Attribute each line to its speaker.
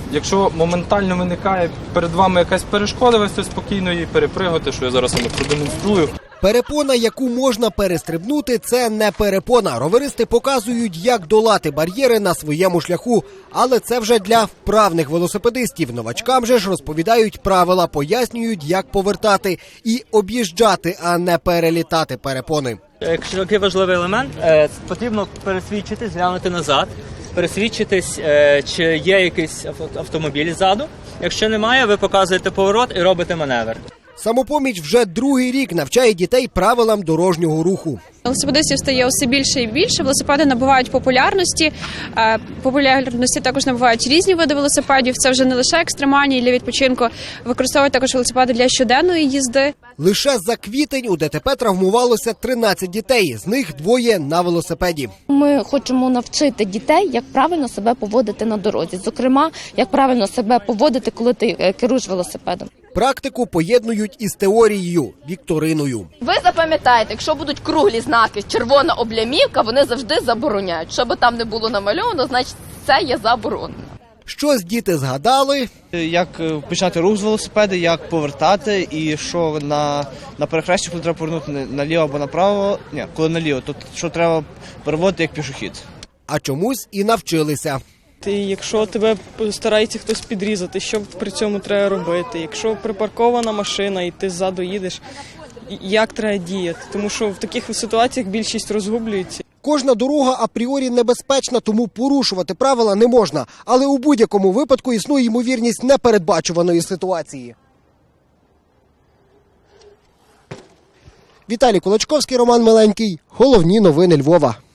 Speaker 1: Якщо моментально виникає перед вами якась перешкода, ви спокійно її перепригуєте, що я зараз вам продемонструю.
Speaker 2: Перепона, яку можна перестрибнути, це не перепона. Роверисти показують, як долати бар'єри на своєму шляху. Але це вже для вправних велосипедистів. Новачкам же ж розповідають правила, пояснюють, як повертати і об'їжджати, а не перелітати перепони.
Speaker 3: Якщо такий важливий елемент, потрібно пересвідчитись, глянути назад, пересвідчитись, чи є якийсь автомобіль ззаду. Якщо немає, ви показуєте поворот і робите маневр.
Speaker 2: Самопоміч вже другий рік навчає дітей правилам дорожнього руху.
Speaker 4: Велосипедистів стає усе більше і більше, велосипеди набувають популярності. Популярності також набувають різні види велосипедів. Це вже не лише екстремальні для відпочинку, використовують також велосипеди для щоденної їзди.
Speaker 2: Лише за квітень у ДТП травмувалося 13 дітей, з них 2 на велосипеді.
Speaker 5: Ми хочемо навчити дітей, як правильно себе поводити на дорозі. Зокрема, як правильно себе поводити, коли ти керуєш велосипедом.
Speaker 2: Практику поєднують із теорією – вікториною.
Speaker 6: Ви запам'ятаєте, якщо будуть круглі знаки, червона облямівка, вони завжди забороняють. Що би там не було намальовано, значить це є заборонено.
Speaker 2: Щось діти згадали,
Speaker 7: як почати рух з велосипеда, як повертати, і що на перехресті, коли треба повернути наліво або направо, коли наліво, то що треба переводити як пішохід.
Speaker 2: а чомусь і навчилися.
Speaker 8: Якщо тебе старається хтось підрізати, що при цьому треба робити? Якщо припаркована машина і ти ззаду їдеш, як треба діяти? Тому що в таких ситуаціях більшість розгублюється.
Speaker 2: Кожна дорога апріорі небезпечна, тому порушувати правила не можна. Але у будь-якому випадку існує ймовірність непередбачуваної ситуації. Віталій Кулачковський, Роман Миленький. Головні новини Львова.